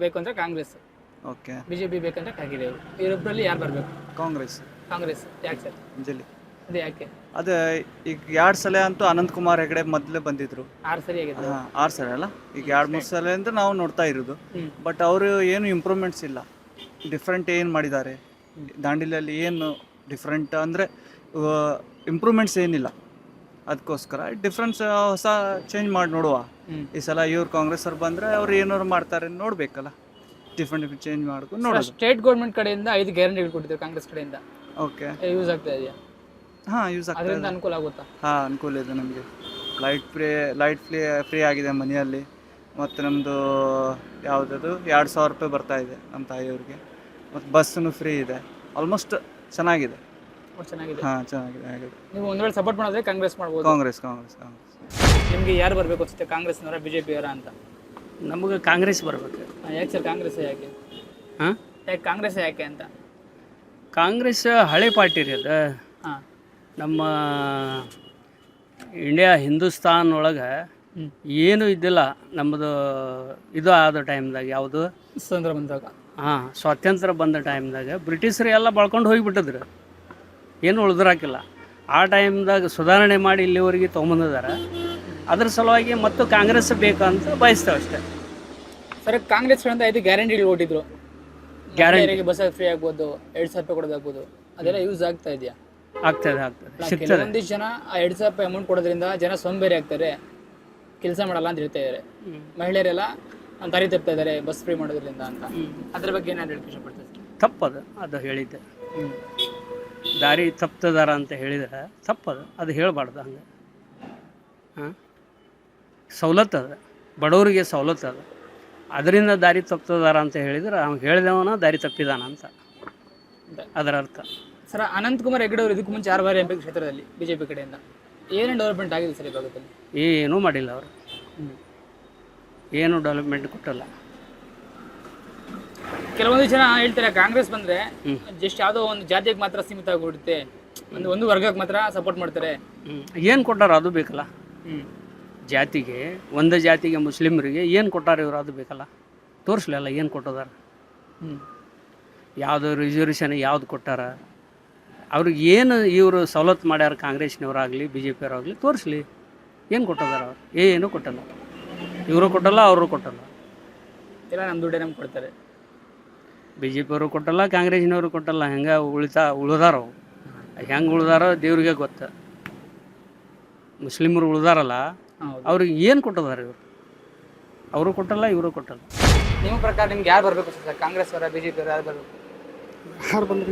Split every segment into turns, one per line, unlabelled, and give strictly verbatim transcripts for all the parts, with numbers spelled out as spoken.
ಬೇಕು ಅಂದ್ರೆ Congress,
okay
BJP ಬೇಕಂದ್ರೆ ಕಾಂಗ್ರೆಸ್. ಇವರಿಬ್ಬರಲ್ಲಿ ಯಾರು ಬರಬೇಕು?
ಕಾಂಗ್ರೆಸ್
ಕಾಂಗ್ರೆಸ್. ಯಾಕೆ ಸರ್?
ಜಲ್ಲಿ
ಅದೇ ಯಾಕೆ?
ಅದೇ ಈಗ ಎರಡು ಸಲ ಅಂತೂ ಅನಂತ್ ಕುಮಾರ್ ಹೆಗಡೆ ಮೊದಲೇ ಬಂದಿದ್ರು.
ಆರು ಸರಿ ಆಗಿದೆ.
ಹಾಂ ಆರು ಸಲ ಅಲ್ಲ, ಈಗ ಎರಡು ಮೂರು ಸಲ ಅಂತ ನಾವು ನೋಡ್ತಾ ಇರೋದು.
ಹ್ಮ್.
ಬಟ್ ಅವರು ಏನು ಇಂಪ್ರೂವ್ಮೆಂಟ್ಸ್ ಇಲ್ಲ, ಡಿಫ್ರೆಂಟ್ ಏನು ಮಾಡಿದ್ದಾರೆ ದಾಂಡೇಲಿಯಲ್ಲಿ, ಏನು ಡಿಫ್ರೆಂಟ್ ಅಂದರೆ ಇಂಪ್ರೂವ್ಮೆಂಟ್ಸ್ ಏನಿಲ್ಲ. ಅದಕ್ಕೋಸ್ಕರ ಡಿಫ್ರೆನ್ಸ್ ಹೊಸ ಚೇಂಜ್ ಮಾಡಿ ನೋಡುವ.
ಹ್ಮ್.
ಈ ಸಲ ಇವ್ರು ಕಾಂಗ್ರೆಸ್ ಅವ್ರು ಬಂದರೆ ಅವ್ರು ಏನಾದ್ರು ಮಾಡ್ತಾರೆ ನೋಡಬೇಕಲ್ಲ, ಡಿಫ್ರೆಂಟ್ ಡಿಫ್ರೆಂಟ್ ಚೇಂಜ್ ಮಾಡ್ಕೊಂಡು ನೋಡೋದು.
ಸ್ಟೇಟ್ ಗೌರ್ಮೆಂಟ್ ಕಡೆಯಿಂದ ಐದು ಗ್ಯಾರಂಟಿಗಳು ಕೊಟ್ಟಿದ್ದಾರೆ ಕಾಂಗ್ರೆಸ್ ಕಡೆಯಿಂದ.
ಓಕೆ
ಯೂಸ್ ಆಗ್ತಾ ಇದೆಯಾ?
ಹಾಂ ಯೂಸ್ ಆಗ್ತದೆ.
ಅದರಿಂದ ಅನುಕೂಲ ಆಗುತ್ತಾ?
ಹಾಂ ಅನುಕೂಲ ಇದೆ ನಮಗೆ. Light free light free free ಆಗಿದೆ ಮನೆಯಲ್ಲಿ. ಮತ್ತು ನಮ್ಮದು ಯಾವುದದು ಎರಡು ಸಾವಿರ ರೂಪಾಯಿ ಬರ್ತಾ ಇದೆ ನಮ್ಮ ತಾಯಿಯವ್ರಿಗೆ. ಮತ್ತು ಬಸ್ಸನ್ನು ಫ್ರೀ ಇದೆ. ಆಲ್ಮೋಸ್ಟ್ ಚೆನ್ನಾಗಿದೆ.
ಒಟ್ಟು ಚೆನ್ನಾಗಿದೆ.
ಹಾಂ ಚೆನ್ನಾಗಿದೆ ಆಗಿದೆ.
ನೀವು ಒಂದು ವೇಳೆ ಸಪೋರ್ಟ್ ಮಾಡಿದ್ರೆ ಕಾಂಗ್ರೆಸ್ ಮಾಡ್ಬೋದು.
ಕಾಂಗ್ರೆಸ್ ಕಾಂಗ್ರೆಸ್ ಕಾಂಗ್ರೆಸ್
ನಿಮಗೆ ಯಾರು ಬರಬೇಕು ಅನ್ಸುತ್ತೆ, ಕಾಂಗ್ರೆಸ್ನವರ ಬಿಜೆಪಿಯವರ ಅಂತ?
ನಮಗೆ ಕಾಂಗ್ರೆಸ್ ಬರಬೇಕು.
ಹಾ, ಯಾಕೆ ಸರ್ ಕಾಂಗ್ರೆಸ್ ಯಾಕೆ?
ಹಾಂ
ಯಾಕೆ ಕಾಂಗ್ರೆಸ್ ಯಾಕೆ ಅಂತ?
ಕಾಂಗ್ರೆಸ್ ಹಳೆ ಪಾರ್ಟಿ ರೀ ಅದು.
ಹಾಂ.
ನಮ್ಮ ಇಂಡಿಯಾ ಹಿಂದೂಸ್ತಾನ್ ಒಳಗೆ
ಹ್ಮ್.
ಏನೂ ಇದ್ದಿಲ್ಲ ನಮ್ಮದು. ಇದು ಆದ ಟೈಮ್ದಾಗ ಯಾವುದು,
ಸ್ವತಂತ್ರ ಬಂದಾಗ.
ಹಾಂ ಸ್ವಾತಂತ್ರ್ಯ ಬಂದ ಟೈಮ್ದಾಗ ಬ್ರಿಟಿಷರು ಎಲ್ಲ ಬಳ್ಕೊಂಡು ಹೋಗಿಬಿಟ್ಟಿದ್ರು, ಏನು ಉಳಿದ್ರಾಕಿಲ್ಲ. ಆ ಟೈಮ್ದಾಗ ಸುಧಾರಣೆ ಮಾಡಿ ಇಲ್ಲಿವರೆಗೆ ತೊಗೊಂಬಂದಿದ್ದಾರೆ. ಅದ್ರ ಸಲುವಾಗಿ ಮತ್ತು ಕಾಂಗ್ರೆಸ್ ಬೇಕಂತ ಬಯಸ್ತೇವೆ ಅಷ್ಟೇ.
ಸರ್ ಕಾಂಗ್ರೆಸ್ ಕಡೆಯಿಂದ ಐದು ಗ್ಯಾರಂಟಿಗಳು ಕೊಟ್ಟಿದ್ರು.
ಗ್ಯಾರಂಟಿ
ಬಸ್ ಫ್ರೀ ಆಗ್ಬೋದು, ಎರಡು ಸಾವಿರ ರೂಪಾಯಿ ಕೊಡೋದಾಗ್ಬೋದು, ಅದೆಲ್ಲ ಯೂಸ್ ಆಗ್ತಾ ಇದೆಯಾ?
ಆಗ್ತದೆ ಆಗ್ತದೆ ಸಿಗ್ತದೆ.
ಕೆಲವೊಂದಿಷ್ಟು ಜನ ಆ ಎರಡು ಸಾವಿರ ರೂಪಾಯಿ ಅಮೌಂಟ್ ಕೊಡೋದ್ರಿಂದ ಜನ ಸೋಂಬೇರಿ ಆಗ್ತಾರೆ, ಕೆಲಸ ಮಾಡಲ್ಲ ಅಂತ ಹೇಳ್ತಾ ಇದ್ದಾರೆ. ಮಹಿಳೆಯರೆಲ್ಲ ದಾರಿ ತಪ್ತಾ ಇದ್ದಾರೆ ಬಸ್ ಫ್ರೀ ಮಾಡೋದ್ರಿಂದ ಅಂತ. ಅದ್ರ ಬಗ್ಗೆ ಏನಾದ್ರು ಹೇಳಕ್ಕೆ ಇಷ್ಟಪಡ್ತಾರೆ?
ತಪ್ಪದು ಅದು ಹೇಳಿದ್ದೆ.
ಹ್ಞೂ.
ದಾರಿ ತಪ್ತದಾರ ಅಂತ ಹೇಳಿದ್ರೆ ತಪ್ಪದು, ಅದು ಹೇಳಬಾರ್ದು ಹಂಗೆ. ಹಾಂ ಸವಲತ್ತು ಅದ, ಬಡವರಿಗೆ ಸವಲತ್ತು ಅದ. ಅದರಿಂದ ದಾರಿ ತಪ್ತದಾರ ಅಂತ ಹೇಳಿದ್ರೆ ಅವ್ನು ಹೇಳಿದವನ ದಾರಿ ತಪ್ಪಿದಾನ ಅಂತ ಅದರ ಅರ್ಥ.
ಸರ್ ಅನಂತ್ ಕುಮಾರ್ ಹೆಗಡೆ ಅವರು ಇದಕ್ಕೂ ಮುಂಚೆ ಆರು ಬಾರಿ ಎಂ ಪಿ ಕ್ಷೇತ್ರದಲ್ಲಿ ಬಿಜೆಪಿ ಕಡೆಯಿಂದ ಏನೇನು ಡೆವಲಪ್ಮೆಂಟ್ ಆಗಿದೆ ಸರ್ ಈ ಭಾಗದಲ್ಲಿ?
ಏನೂ ಮಾಡಿಲ್ಲ ಅವರು, ಏನು ಡೆವಲಪ್ಮೆಂಟ್ ಕೊಟ್ಟಲ್ಲ.
ಕೆಲವೊಂದು ಜನ ಹೇಳ್ತಾರೆ ಕಾಂಗ್ರೆಸ್ ಬಂದ್ರೆ ಜಸ್ಟ್ ಯಾವುದೋ ಒಂದು ಜಾತಿಗೆ ಮಾತ್ರ ಸೀಮಿತ ಆಗಿಬಿಡುತ್ತೆ, ಒಂದು ಒಂದು ವರ್ಗಕ್ಕೆ ಮಾತ್ರ ಸಪೋರ್ಟ್ ಮಾಡ್ತಾರೆ.
ಏನು ಕೊಟ್ಟಾರ ಅದು ಬೇಕಲ್ಲ.
ಹ್ಞೂ.
ಜಾತಿಗೆ, ಒಂದು ಜಾತಿಗೆ ಮುಸ್ಲಿಮರಿಗೆ ಏನು ಕೊಟ್ಟಾರ ಇವರು ಅದು ಬೇಕಲ್ಲ, ತೋರಿಸ್ಲಿಲ್ಲ ಏನು ಕೊಟ್ಟದಾರ.
ಹ್ಞೂ.
ಯಾವುದು ರಿಸರ್ವೇಷನ್ ಯಾವ್ದು ಕೊಟ್ಟಾರ, ಅವ್ರಿಗೆ ಏನು ಇವರು ಸವಲತ್ತು ಮಾಡ್ಯಾರ ಕಾಂಗ್ರೆಸ್ನವರಾಗಲಿ ಬಿ ಜೆ ಪಿಯವರಾಗಲಿ, ತೋರಿಸ್ಲಿ ಏನು ಕೊಟ್ಟದಾರ. ಅವ್ರು ಏನು ಕೊಟ್ಟಲ್ಲ, ಇವರು ಕೊಟ್ಟಲ್ಲ ಅವರು ಕೊಟ್ಟಲ್ಲ.
ಎಲ್ಲ ನಮ್ಮ ದುಡ್ಡೇ ನಮ್ಗೆ ಕೊಡ್ತಾರೆ.
ಬಿ ಜೆ ಪಿಯವರು ಕೊಟ್ಟಲ್ಲ, ಕಾಂಗ್ರೆಸ್ನವರು ಕೊಟ್ಟಲ್ಲ. ಹೆಂಗೆ ಉಳಿತಾ ಉಳಿದಾರೋ, ಹೆಂಗೆ ಉಳಿದಾರೋ ದೇವ್ರಿಗೆ ಗೊತ್ತು. ಮುಸ್ಲಿಮರು ಉಳಿದಾರಲ್ಲ, ಅವ್ರಿಗೆ ಏನು ಕೊಟ್ಟದಾರ ಇವರು, ಅವರು ಕೊಟ್ಟಲ್ಲ ಇವರು ಕೊಟ್ಟಲ್ಲ.
ನಿಮ್ಮ ಪ್ರಕಾರ ನಿಮ್ಗೆ ಯಾರು ಬರಬೇಕು ಸರ್, ಕಾಂಗ್ರೆಸ್ ಅವರ ಬಿ ಜೆ ಪಿ ಅವರ ಯಾರು ಬರಬೇಕು?
ಯಾರು ಬಂದ್ರೆ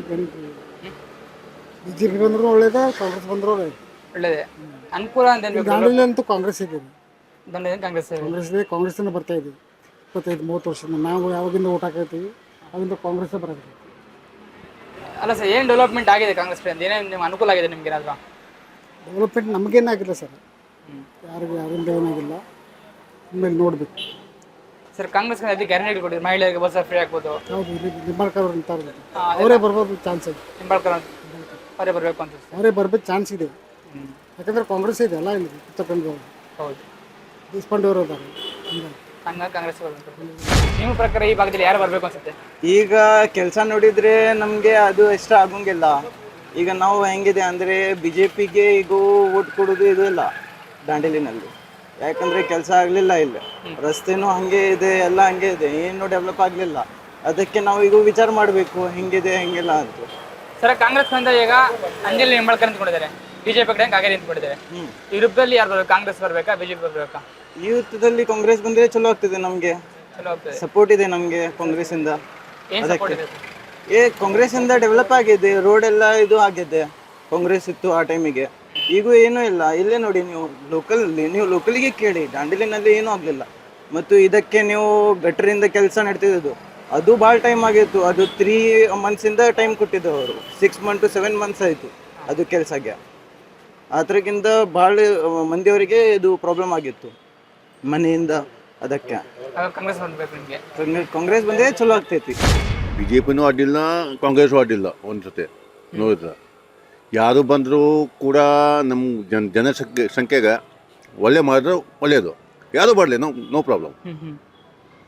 ಬಿ ಜೆ ಪಿ ಬಂದರೂ ಒಳ್ಳೇದೇ, ಕಾಂಗ್ರೆಸ್ ಬಂದರೂ ಒಳ್ಳೇದು.
ಒಳ್ಳೇದೇ. ಅನುಕೂಲ ಅಂತ ಏನ್ ಬೇಕು?
ದಾಂಡೇಲಿ ಅಂತೂ ಕಾಂಗ್ರೆಸ್ ಇದೆ,
ದಂಡ ಕಾಂಗ್ರೆಸ್
ಕಾಂಗ್ರೆಸ್ ಇದೆ, ಕಾಂಗ್ರೆಸ್ಸಿಂದ ಬರ್ತಾ ಇದೆ. ಇಪ್ಪತ್ತೈದು ಮೂವತ್ತು ವರ್ಷದಿಂದ ನಾವು ಯಾವಾಗಿಂದ ಓಟ್ ಹಾಕೈತೀವಿ ಅವಾಗಿಂದ ಕಾಂಗ್ರೆಸ್ಸೇ ಬರೋದು.
ಅಲ್ಲ ಸರ್, ಏನು ಡೆವಲಪ್ಮೆಂಟ್ ಆಗಿದೆ ಕಾಂಗ್ರೆಸ್ ಕಡೆಯಿಂದ? ಏನೇನು ನಿಮ್ಗೆ ಅನುಕೂಲ ಆಗಿದೆ ನಿಮ್ಗೆ ಏನಾದ್ರು?
ಡೆವಲಪ್ಮೆಂಟ್ ನಮಗೇನಾಗಿಲ್ಲ ಸರ್, ಯಾರಿಗೂ ಯಾರಿಂದ ಏನಾಗಿಲ್ಲ. ಆಮೇಲೆ ನೋಡಬೇಕು
ಸರ್ ಕಾಂಗ್ರೆಸ್ ಕಡೆ ಗ್ಯಾರಂಟಿ ಕೊಟ್ಟಿದ್ರು, ಮಹಿಳೆಯರಿಗೆ ಬಸ್ ಫ್ರೀ ಆಗ್ಬೋದು.
ಹೌದು, ಇಲ್ಲಿ ನಿಂಬಾಳ್ಕರ್ ಅವ್ರು ನಿಂತಾರೆ, ಅವರೇ ಬರ್ಬೋದು ಚಾನ್ಸ್ ಇದೆ.
ನಿಂಬಾಳ್ಕರ್ ಅವರೇ ಬರಬೇಕು ಅಂತ.
ಅವರೇ ಬರ್ಬೇಕು ಚಾನ್ಸ್ ಇದೆ, ಯಾಕಂದ್ರೆ ಕಾಂಗ್ರೆಸ್ ಇದೆ ಅಲ್ಲ ಇಲ್ಲಿ ತಗೊಂಡು.
ಹೌದು,
ದೇಶಪಾಂಡೆ ಅವರು ಇದ್ದಾರೆ,
ಹಂಗಾಗಿ ಕಾಂಗ್ರೆಸ್ ಬರಬೇಕು. ನಿಮ್ಮ ಪ್ರಕಾರ ಈ ಭಾಗದಲ್ಲಿ ಯಾರು ಬರಬೇಕು ಅನ್ಸುತ್ತೆ?
ಈಗ ಕೆಲಸ ನೋಡಿದರೆ ನಮಗೆ ಅದು ಇಷ್ಟ ಆಗೋಂಗಿಲ್ಲ. ಈಗ ನಾವು ಹೆಂಗಿದೆ ಅಂದರೆ ಬಿ ಜೆ ಪಿಗೆ ಈಗ ಓಟ್ ಕೊಡೋದು ಇದು ಇಲ್ಲ ದಾಂಡೇಲಿನಲ್ಲಿ. ಯಾಕಂದರೆ ಕೆಲಸ ಆಗಲಿಲ್ಲ, ಇಲ್ಲಿ ರಸ್ತೆನೂ ಹಾಗೆ ಇದೆ, ಎಲ್ಲ ಹಂಗೆ ಇದೆ, ಏನು ಡೆವಲಪ್ ಆಗಲಿಲ್ಲ. ಅದಕ್ಕೆ ನಾವು ಈಗ ವಿಚಾರ ಮಾಡಬೇಕು ಹೆಂಗಿದೆ ಹೆಂಗಿಲ್ಲ ಅಂತ.
ಸರ್ ಕಾಂಗ್ರೆಸ್ ಕಡೆಯಿಂದ ಈಗ ಅಂಜಲಿ ನಿಂಬಾಳ್ಕರ್ ನಿಂತ್ಕೊಂಡಿದ್ದಾರೆ, ಬಿಜೆಪಿ ಕಡೆ ಕಾಗೇರಿ ನಿಂತ್ಕೊಂಡಿದ್ದಾರೆ. ಇವ್ರಿಬ್ಬರಲ್ಲಿ ಯಾರು ಬರಬೇಕು? ಕಾಂಗ್ರೆಸ್ ಬರಬೇಕಾ ಬಿಜೆಪಿ ಬರಬೇಕಾ?
ಈ ಯುದ್ಧದಲ್ಲಿ ಕಾಂಗ್ರೆಸ್ ಬಂದರೆ ಚಲೋ ಆಗ್ತದೆ, ನಮಗೆ
ಚಲೋ ಆಗ್ತದೆ.
ಸಪೋರ್ಟ್ ಇದೆ ನಮಗೆ ಕಾಂಗ್ರೆಸ್ಸಿಂದ.
ಏನು ಸಪೋರ್ಟ್ ಇದೆ?
ಏ ಕಾಂಗ್ರೆಸ್ಸಿಂದ ಡೆವಲಪ್ ಆಗಿದೆ, ರೋಡ್ ಎಲ್ಲ ಇದು ಆಗಿದೆ. ಕಾಂಗ್ರೆಸ್ ಇತ್ತು ಆ ಟೈಮಿಗೆ, ಈಗೂ ಏನೂ ಇಲ್ಲ. ಇಲ್ಲೇ ನೋಡಿ ನೀವು ಲೋಕಲಲ್ಲಿ, ನೀವು ಲೋಕಲಿಗೆ ಕೇಳಿ, ದಾಂಡೇಲಿನಲ್ಲಿ ಏನೂ ಆಗಲಿಲ್ಲ. ಮತ್ತು ಇದಕ್ಕೆ ನೀವು ಗಟ್ಟರಿಂದ ಕೆಲಸ ನಡ್ತಿದ್ದು ಅದು ಭಾಳ ಟೈಮ್ ಆಗಿತ್ತು. ಅದು ತ್ರೀ ಮಂತ್ಸಿಂದ ಟೈಮ್ ಕೊಟ್ಟಿದ್ದು ಅವರು, six month to seven months ಆಯಿತು ಅದು ಕೆಲಸಕ್ಕೆ. ಅದಕ್ಕಿಂತ ಭಾಳ ಮಂದಿಯವರಿಗೆ ಇದು ಪ್ರಾಬ್ಲಮ್ ಆಗಿತ್ತು ಮನೆಯಿಂದ. ಅದಕ್ಕೆ
ಕಾಂಗ್ರೆಸ್ ಬರಬೇಕು ನಿಮಗೆ?
ಕಾಂಗ್ರೆಸ್ ಬಂದರೆ ಚಲೋ ಆಗ್ತೈತಿ.
ಬಿ ಜೆ ಪಿನೂ ಅಡ್ಡಿಲ್ಲ, ಕಾಂಗ್ರೆಸ್ಸು ಅಡ್ಡಿಲ್ಲ. ಒಂದು ಜೊತೆ ನೋಡಿದ್ರೆ ಯಾರು ಬಂದರೂ ಕೂಡ ನಮ್ಮ ಜನ ಜನಸಂಖ್ಯೆ ಸಂಖ್ಯೆಗೆ ಒಳ್ಳೆ ಮಾಡಿದ್ರೆ ಒಳ್ಳೆಯದು. ಯಾರು ಬರಲಿ, ನೋ ನೋ ಪ್ರಾಬ್ಲಮ್.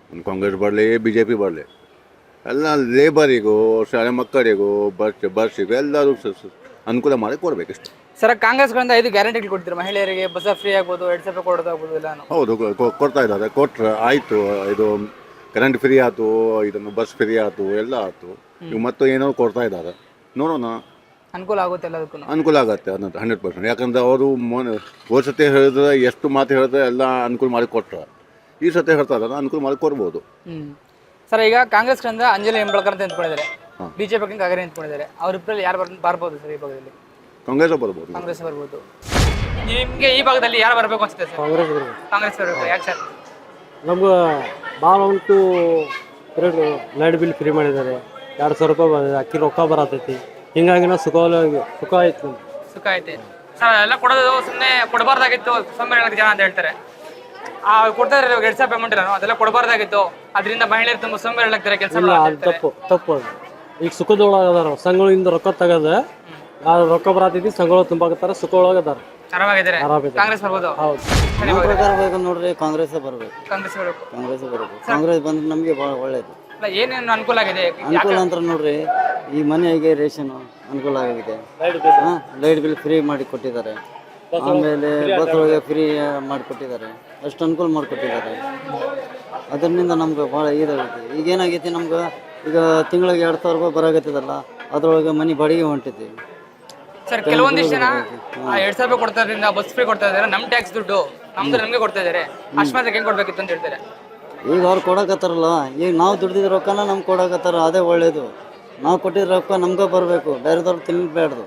ಒಂದು ಕಾಂಗ್ರೆಸ್ ಬರಲಿ ಬಿ ಜೆ ಪಿ ಬರಲಿ ಎಲ್ಲ ಲೇಬರಿಗೂ ಶಾಲೆ ಮಕ್ಕಳಿಗೂ ಬಸ್ ಬಸ್ಸಿಗೂ ಎಲ್ಲರೂ ಸ- ಸ- ಅನುಕೂಲ ಮಾಡಿ ಕೊಡಬೇಕಷ್ಟು.
ಸರ್ ಕಾಂಗ್ರೆಸ್ಗಳಿಂದ ಐದು ಗ್ಯಾರಂಟಿಗಳು ಕೊಡ್ತೀರಾ ಮಹಿಳೆಯರಿಗೆ, ಬಸ್ ಫ್ರೀ ಆಗ್ಬೋದು, ಎರಡು ಸಾವಿರ ಕೊಡೋದಾಗ್ಬೋದು ಎಲ್ಲಾನು.
ಹೌದು ಕೊ- ಕೊ- ಕೊಡ್ತಾ ಇದ್ದಾರೆ, ಕೊಟ್ರೆ ಆಯಿತು. ಇದು ಕರೆಂಟ್ ಫ್ರೀ ಆಯ್ತು, ಇದನ್ನು ಬಸ್ ಫ್ರೀ ಆಯ್ತು, ಎಲ್ಲ ಆಯ್ತು. ಇವು ಮತ್ತು ಏನೋ ಕೊಡ್ತಾ ಇದ್ದಾರೆ, ನೋಡೋಣ
ಅನುಕೂಲ ಆಗುತ್ತೆ ಎಲ್ಲದಕ್ಕೂ.
ಅನುಕೂಲ ಆಗುತ್ತೆ ಅನ್ನೋದು ಹಂಡ್ರೆಡ್ ಪರ್ಸೆಂಟ್. ಯಾಕಂದ್ರೆ ಅವರು ಮೊನ್ನೆ ಹೋದ ಸತಿ ಹೇಳಿದ್ರೆ ಎಷ್ಟು ಮಾತು ಹೇಳಿದ್ರೆ ಎಲ್ಲ ಅನುಕೂಲ ಮಾಡಿ ಕೊಟ್ಟರೆ, ಈ ಸತಿ ಹೇಳ್ತಾ ಇದ್ದಾರೆ ಅನುಕೂಲ ಮಾಡಿ ಕೊಡ್ಬೋದು.
ಹ್ಮ್ ಸರ್ ಈಗ ಕಾಂಗ್ರೆಸ್ಗಳಿಂದ ಅಂಜಲಿ ಹೆಂಬಳ್ಕರ್ ಅಂತ ನಿಂತ್ಕೊಂಡಿದ್ದಾರೆ,
ಹಾಂ.
ಬಿಜೆಪಿ ಕಾಗರೆ ನಿಂತ್ಕೊಂಡಿದ್ದಾರೆ. ಅವ್ರಿಬ್ಬರಲ್ಲಿ ಯಾರು ಬರ್ ಬರ್ಬೋದು ಸರ್ ಈ ಭಾಗದಲ್ಲಿ?
ಕಾಂಗ್ರೆಸ್ ಬರ್ಬೋದು.
ಕಾಂಗ್ರೆಸ್ ಬರ್ಬೋದು. ನಿಮಗೆ ಈ ಭಾಗದಲ್ಲಿ ಯಾರು ಬರಬೇಕು ಅನ್ಸುತ್ತೆ ಸರ್?
ಕಾಂಗ್ರೆಸ್ ಬರಬೇಕು.
ಕಾಂಗ್ರೆಸ್ ಬರಬೇಕು. ಯಾಕೆ ಸರ್?
ನಮ್ಗೆ ಭಾಳ ಉಂಟು ಎರಡು ಲೈಟ್ ಬಿಲ್ ಫ್ರೀ ಮಾಡಿದ್ದಾರೆ, ಎರಡು ಸಾವಿರ ರೂಪಾಯಿ ಬಂದಿದೆ, ಅಕ್ಕಿ ರೊಕ್ಕ ಬರತೈತಿ. ಹಿಂಗಾಗಿ ನಾವು ಸುಖ ಸುಖ ಆಯ್ತು.
ಸುಖ ಐತೆ ಸರ್. ಎಲ್ಲ ಕೊಡೋದು ಸುಮ್ಮನೆ ಕೊಡಬಾರ್ದಾಗಿತ್ತು ಸೋಂಬೇರಿ ಜನ ಅಂತ ಹೇಳ್ತಾರೆ. ಆ ಕೊಡ್ತಾ ಇದ್ದಾರೆ ಇವಾಗ ಎರಡು ಸಾವಿರ ಪೇಮೆಂಟ್ ಇಲ್ಲ, ಅದೆಲ್ಲ ಕೊಡಬಾರ್ದಾಗಿತ್ತು. ಅದರಿಂದ ಮಹಿಳೆಯರು ತುಂಬ ಸೋಂಬೇರಿ ಆಗ್ತಾರೆ ಕೆಲಸ
ಇಲ್ಲ, ಅದು ತಪ್ಪು ತಪ್ಪು ಅದು. ಈಗ ಸುಖದೊಳಗೆ ಅದಾರ, ಸಂಘಗಳಿಂದ ರೊಕ್ಕ ತಗದ ಆ ರೊಕ್ಕ ಬರತೈತಿ, ಸಂಘಗಳು ತುಂಬಾಕತ್ತಾರ, ಸುಖ ಒಳಗೆ ಅದಾರ,
ಆರಾಮಾಗಿದ್ದಾರೆ.
ಆರಾಮಿದ್ದಾರೆ.
ಕಾಂಗ್ರೆಸ್ ಬರ್ಬೋದು.
ಹೌದು.
ನಮ್ಮ ಪ್ರಕಾರ ಬೇಕು ನೋಡ್ರಿ, ಕಾಂಗ್ರೆಸ್ ಬರಬೇಕು.
ಕಾಂಗ್ರೆಸ್ ಬರಬೇಕು.
ಕಾಂಗ್ರೆಸ್ ಬರಬೇಕು. ಕಾಂಗ್ರೆಸ್ ಬಂದ್ರೆ ನಮಗೆ ಭಾಳ ಒಳ್ಳೇದು.
ಅಲ್ಲ ಏನೇನು ಅನುಕೂಲ ಆಗಿದೆ?
ಅನುಕೂಲ ಅಂತ ನೋಡ್ರಿ, ಈ ಮನೆಗೆ ರೇಷನ್ ಅನುಕೂಲ ಆಗಿದೆ. ಹಾಂ, ಲೈಟ್ ಬಿಲ್ ಫ್ರೀ ಮಾಡಿ ಕೊಟ್ಟಿದ್ದಾರೆ. ಆಮೇಲೆ ಬಸ್ ಒಳಗೆ ಫ್ರೀ ಮಾಡಿಕೊಟ್ಟಿದ್ದಾರೆ. ಅಷ್ಟು ಅನುಕೂಲ ಮಾಡಿಕೊಟ್ಟಿದ್ದಾರೆ. ಅದರಿಂದ ನಮ್ಗೆ ಭಾಳ ಇದಾಗೈತಿ. ಈಗ ಏನಾಗೈತಿ ನಮ್ಗೆ, ಈಗ ತಿಂಗಳಿಗೆ ಎರಡು ಸಾವಿರ ರೂಪಾಯಿ ಬರಾಗತ್ತದಲ್ಲ, ಅದ್ರೊಳಗೆ ಮನೆ ಬಾಡಿಗೆ ಹೊಂಟೈತಿ.
ಸರ್ ಕೆಲವೊಂದಿಷ್ಟು ಜನ ಆ ಎರಡ್ ಸಾವಿರ ರೂಪಾಯಿ ಕೊಡ್ತಾ ಇದ್ರಿಂದ ಬಸ್ ಫ್ರೀ ಕೊಡ್ತಾ ಇದ್ದಾರೆ, ನಮ್ ಟ್ಯಾಕ್ಸ್ ದುಡ್ಡು ನಮ್ದು ನಮ್ಗೆ ಕೊಡ್ತಾ ಇದ್ದಾರೆ, ಅಷ್ಟು ಮಾತ್ರ ಹೆಂಗ್ ಕೊಡ್ಬೇಕಿತ್ತು ಅಂತ ಹೇಳ್ತಾರೆ.
ಈಗ ಅವ್ರು ಕೊಡಕತ್ತಾರಲ್ಲ, ಈಗ ನಾವು ದುಡ್ದಿದ್ದ ರೊಕ್ಕನ ನಮ್ಗೆ ಕೊಡಕತ್ತಾರ, ಅದೇ ಒಳ್ಳೇದು. ನಾವು ಕೊಟ್ಟಿದ್ದ ರೊಕ್ಕ ನಮ್ಗೆ ಬರಬೇಕು, ಬೇರೆದವ್ರು ತಿನ್ಬೇಡ್ದು.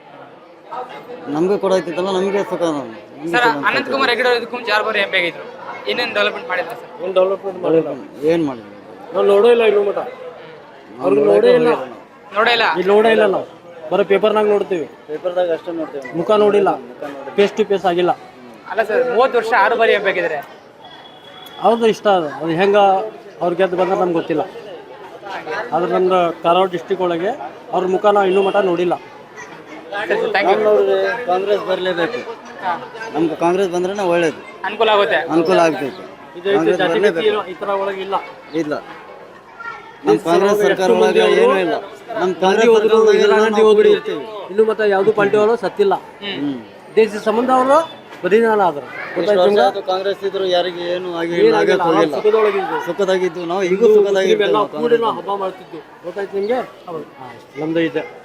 ನಮಗೆ ಕೊಡಾಯ್ತಿತ್ತಲ್ಲ, ನಮಗೆ ಸುಖ.
ಸರ್ ಅನಂತಕುಮಾರ್ ಹೆಗಡೆ ಇದಕ್ಕೂ ಮುಂಚೆ ಯಾರು ಬರೀ ಎಂ ಪಿ ಆಗಿದ್ರು, ಏನೇನು ಡೆವಲಪ್ಮೆಂಟ್ ಮಾಡಿದ್ರು ಸರ್?
ಏನು ಡೆವಲಪ್ಮೆಂಟ್ ಮಾಡಿಲ್ಲ,
ಏನು ಮಾಡಿದ್ವಿ
ನಾವು ನೋಡೇ ಇಲ್ಲ ಇನ್ನೂ ಮಟ. ಅವ್ರಿಗೆ ನೋಡೇ ಇಲ್ಲ,
ನೋಡೇ ಇಲ್ಲ.
ಇಲ್ಲಿ ನೋಡೇ ಇಲ್ಲ. ನಾವು ಬರೀ ಪೇಪರ್ನಾಗ ನೋಡ್ತೀವಿ,
ಪೇಪರ್ದಾಗ ಅಷ್ಟೇ ನೋಡ್ತೇವೆ,
ಮುಖ ನೋಡಿಲ್ಲ, ಫೇಸ್ ಟು ಫೇಸ್ ಆಗಿಲ್ಲ.
ಅಲ್ಲ ಸರ್, ಮೂವತ್ತು ವರ್ಷ ಆರು ಬಾರಿ ಎಂ ಪಿ ಆಗಿದ್ದಾರೆ.
ಹೌದು, ಇಷ್ಟ ಅದು. ಅದು ಹೆಂಗೆ ಅವ್ರು ಗೆದ್ದು ಬಂದ್ರೆ ನಮ್ಗೆ ಗೊತ್ತಿಲ್ಲ. ಆದ್ರೆ ನಮ್ದು ಕಾರವಾರ ಡಿಸ್ಟಿಕ್ ಒಳಗೆ ಅವ್ರ ಮುಖ ನಾವು ಇನ್ನೂ ಮಟ ನೋಡಿಲ್ಲ.
Thank you.
ನೋಡ್ರಿ, ಕಾಂಗ್ರೆಸ್ ಬರಲೇಬೇಕು. ನಮ್ಗೆ ಕಾಂಗ್ರೆಸ್ ಬಂದ್ರೆ ಒಳ್ಳೇದು,
ಅನುಕೂಲ ಆಗುತ್ತೆ.
ಅನುಕೂಲ ಆಗ್ತೈತಿ.
ಇದು ಜಾತಿಗತಿ ಈ ಥರ ಒಳಗೆ ಇಲ್ಲ.
ಇಲ್ಲ, ನಮ್ಮ ಕಾಂಗ್ರೆಸ್ ಸರ್ಕಾರ ಒಳಗೆ ಏನೂ ಇಲ್ಲ. ನಮ್ಮ
ಗಾಂಧಿ
ಕಾಂಗ್ರೆಸ್
ಹೋದ್ರು,
ಸರ್ಕಾರದಾಗ
ಇಂದಿರಾ
ಎಲ್ಲ
ಗಾಂಧಿ
ನಾವು
ಹೋಗ್ಬಿಡಿ,
ಇರ್ತೀವಿ.
ಇನ್ನು ಮತ್ತೆ ಯಾವುದು ಪಾರ್ಟಿ ಅವರು ಸತ್ತಿಲ್ಲ.
ಹ್ಮ್.
ದೇಶದ ಸಂಬಂಧ ಅವರು ಬದಿನಾಲ ಆದ್ರು.
ಎಷ್ಟು ವರ್ಷ ಆಯ್ತು ಕಾಂಗ್ರೆಸ್ ಇದ್ರು, ಯಾರಿಗೆ ಏನು ಆಗಿಲ್ಲ, ಆಗಕ್ಕೆ ಹೋಗಿಲ್ಲ.
ಸುಖದೊಳಗಿದ್ದು
ಸುಖದಾಗಿದ್ದು ನಾವು, ಈಗೂ ಸುಖದಾಗಿದ್ದು
ಎಲ್ಲ
ನಾವು
ಕೂಡಿ
ಕಾಂಗ್ರೆಸ್.
ನಾವು ಹಬ್ಬ ಮಾಡ್ತಿದ್ವಿ. ಗೊತ್ತಾಯ್ತು ನಿಮಗೆ? ನಮ್ದು ಇದೆ.